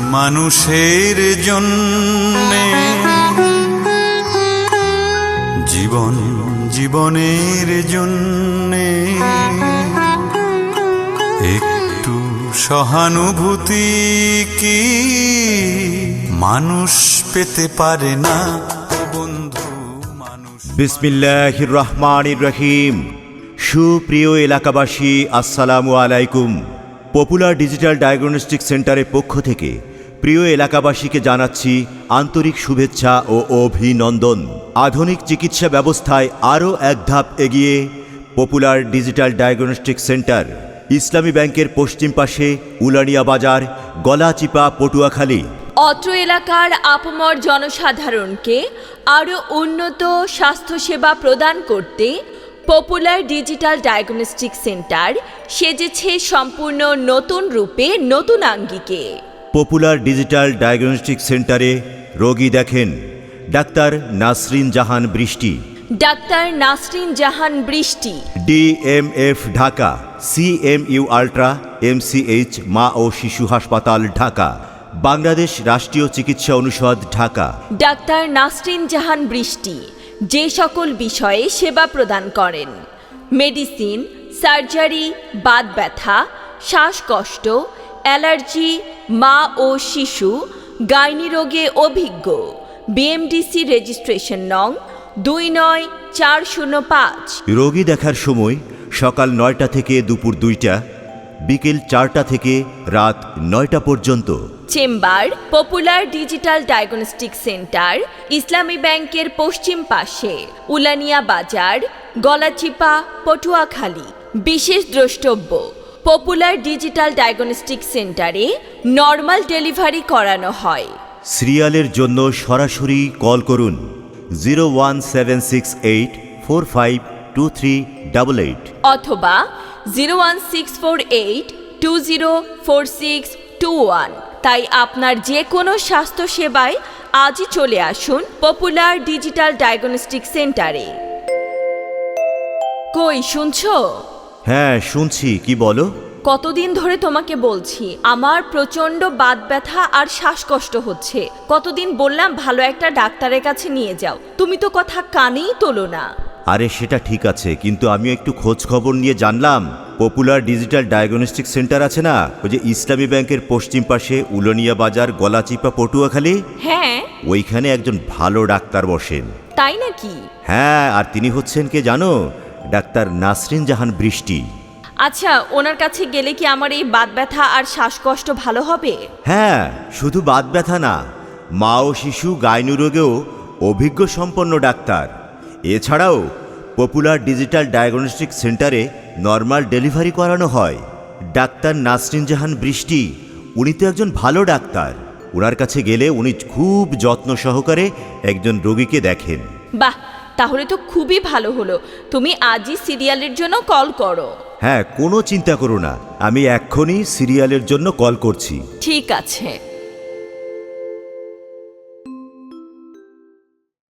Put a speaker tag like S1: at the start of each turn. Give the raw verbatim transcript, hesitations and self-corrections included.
S1: মানুষের জন্যে জীবন জীবনের জন্যে একটু সহানুভূতি কি মানুষ পেতে পারে না বন্ধু মানুষ।
S2: বিসমিল্লাহির রহমানির রহিম। সুপ্রিয় এলাকাবাসী, আসসালামু আলাইকুম। পপুলার ডিজিটাল ডায়াগনস্টিক সেন্টারের পক্ষ থেকে প্রিয় এলাকাবাসীকে জানাচ্ছি আন্তরিক শুভেচ্ছা ও অভিনন্দন। আধুনিক চিকিৎসা ব্যবস্থায় আরও এক ধাপ এগিয়ে popular digital diagnostic centre, Islami ব্যাংকের পশ্চিম পাশে, উলানিয়া বাজার, গলাচিপা, পটুয়াখালী।
S3: অত্র এলাকার আপামর জনসাধারণকে আরও উন্নত স্বাস্থ্যসেবা প্রদান করতে পপুলার ডিজিটাল ডায়াগনস্টিক সেন্টার সেজেছে সম্পূর্ণ নতুন রূপে, নতুন আঙ্গিকে।
S2: পপুলার ডিজিটাল ডায়াগনস্টিক সেন্টারে রোগী দেখেন ডাক্তার নাসরিন জাহান বৃষ্টি,
S3: doctor Nasrin Jahan Brishti,
S2: DMF Dhaka, CMU ultra, MCH মা ও শিশু হাসপাতাল ঢাকা, বাংলাদেশ রাষ্ট্রীয় চিকিৎসা অনুষদ ঢাকা।
S3: ডাক্তার নাসরিন জাহান বৃষ্টি যে সকল বিষয়ে সেবা প্রদান করেন: মেডিসিন, সার্জারি, বাত ব্যথা, শ্বাসকষ্ট, অ্যালার্জি, মা ও শিশু, গাইনি রোগে অভিজ্ঞ, বিএমডিসি রেজিস্ট্রেশন নং দুই নয় চার শূন্য পাঁচ।
S2: রোগী দেখার সময় সকাল নয়টা থেকে দুপুর দুইটা, বিকেল চারটা থেকে রাত নয়টা পর্যন্ত।
S3: Chamber popular digital diagnostic centre, Islami ব্যাংকের পশ্চিম পাশে, উলানিয়া বাজার, গলাচিপা, পটুয়াখালী। বিশেষ দ্রষ্টব্য: পপুলার ডিজিটাল ডায়াগনস্টিক সেন্টারে নর্মাল ডেলিভারি করানো হয়।
S2: সিরিয়ালের জন্য সরাসরি কল করুন zero one seven six eight four five two three double eight
S3: অথবা zero one six four eight two zero four six two one. তাই আপনার যে কোনো স্বাস্থ্য সেবায় আজই চলে আসুন পপুলার ডিজিটাল ডায়াগনস্টিক সেন্টারে। কই শুনছো?
S2: হ্যাঁ শুনছি, কি বলো?
S3: কতদিন ধরে তোমাকে বলছি আমার প্রচণ্ড বাত ব্যথা আর শ্বাসকষ্ট হচ্ছে। কতদিন বললাম ভালো একটা ডাক্তারের কাছে নিয়ে যাও, তুমি তো কথা কানেই তোলো না।
S2: আরে সেটা ঠিক আছে, কিন্তু আমি একটু খোঁজ খবর নিয়ে জানলাম পপুলার ডিজিটাল ডায়াগনস্টিক সেন্টার আছে না, ওই যে ইসলামী ব্যাংকের পশ্চিম পাশে, উলানিয়া বাজার, গলাচিপা, পটুয়াখালী।
S3: হ্যাঁ,
S2: ওইখানে একজন ভালো ডাক্তার বসেন।
S3: তাই নাকি?
S2: হ্যাঁ, আর তিনি হচ্ছেন কে জানো? ডাক্তার নাসরিন জাহান বৃষ্টি।
S3: আচ্ছা, ওনার কাছে গেলে কি আমার এই বাত ব্যথা আর শ্বাসকষ্ট ভালো হবে?
S2: হ্যাঁ, শুধু বাত ব্যথা না, মা ও শিশু গাইনি রোগেও অভিজ্ঞ সম্পন্ন ডাক্তার। এছাড়াও পপুলার ডিজিটাল ডায়াগনস্টিক সেন্টারে নর্মাল ডেলিভারি করানো হয়। ডাক্তার নাসরিন জাহান বৃষ্টি উনি তো একজন ভালো ডাক্তার। ওনার কাছে গেলে উনি খুব যত্ন সহকারে একজন রোগীকে দেখেন।
S3: বাহ, তাহলে তো খুবই ভালো হলো। তুমি আজই সিরিয়ালের জন্য কল করো।
S2: হ্যাঁ, কোনো চিন্তা করো না, আমি এক্ষুনি সিরিয়ালের জন্য কল করছি।
S3: ঠিক আছে।